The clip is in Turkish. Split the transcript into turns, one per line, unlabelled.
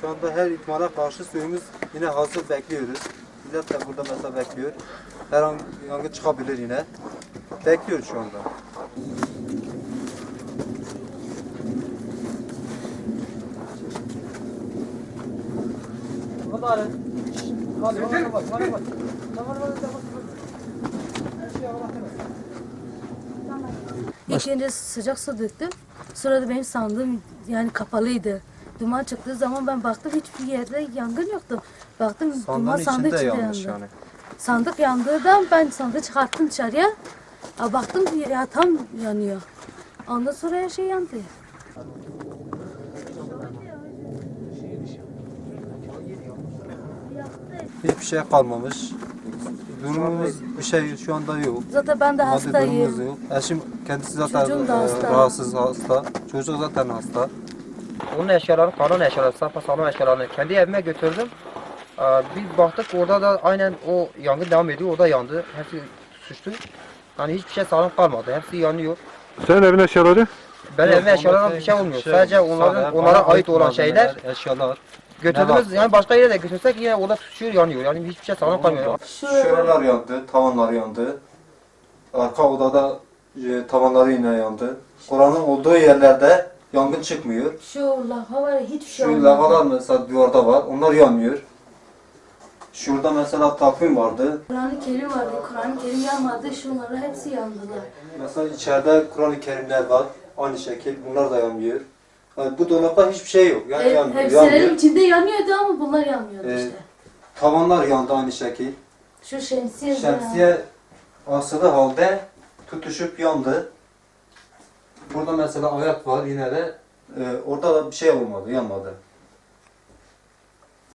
Şu anda her ihtimale karşı suyumuz yine hazır, bekliyoruz. Millet de burada mesela bekliyor. Her an yangın çıkabilir yine. Bekliyoruz şu anda.
İlk önce sıcak su döktüm. Sonra da benim sandığım yani kapalıydı. Duman çıktığı zaman ben baktım hiçbir yerde yangın yoktu. Baktım duman sandık içinde yandı.
Yani.
Sandık yandığından ben sandığı çıkarttım dışarıya. Baktım ya tam yanıyor. Ondan sonra her şey yandı.
Hiçbir şey kalmamış. Durumumuz bir şey şu anda yok.
Zaten ben de
Maddi durumumuz
hastayım.
yok. Eşim kendisi zaten
Çocuğum da hasta.
rahatsız, hasta. Çocuk zaten hasta.
Onun eşyalarını, kalan eşyaları, sapasağlam eşyalarını kendi evime götürdüm. Bir baktık orada da aynen o yangın devam ediyor, orada yandı. Hepsi suçtu. Yani hiçbir şey sağlam kalmadı, hepsi yanıyor.
Senin evin eşyaları?
Ben
Yok,
evime eşyalardan bir şey olmuyor. Sadece onlara ait olan şeyler
eşyalar.
götürdüğümüz, yani başka yere de götürsek yine orada tutuşuyor, yanıyor. Yani hiçbir şey sağlam kalmıyor.
Şuralar yandı, tavanlar yandı. Arka odada tavanları yine yandı. Oranın olduğu yerlerde yangın çıkmıyor.
Şu lava var ya hiçbir şey
Şu
olmadı.
lavalar mesela duvarda var, onlar yanmıyor. Şurada mesela takvim vardı.
Kur'an-ı Kerim vardı. Kur'an-ı Kerim yanmadı. Şunların hepsi yandılar.
Mesela içeride Kur'an-ı Kerimler var. Aynı şekil bunlar da yanmıyor. Yani bu dolapta hiçbir şey yok. Yani yanmıyor.
Hepsilerin içinde yanıyordu ama bunlar yanmıyordu işte.
Tavanlar yandı aynı şekil.
Şu şemsiye de
Şemsiye asılı halde tutuşup yandı. Burada mesela ayak var yine de orada da bir şey olmadı, yanmadı.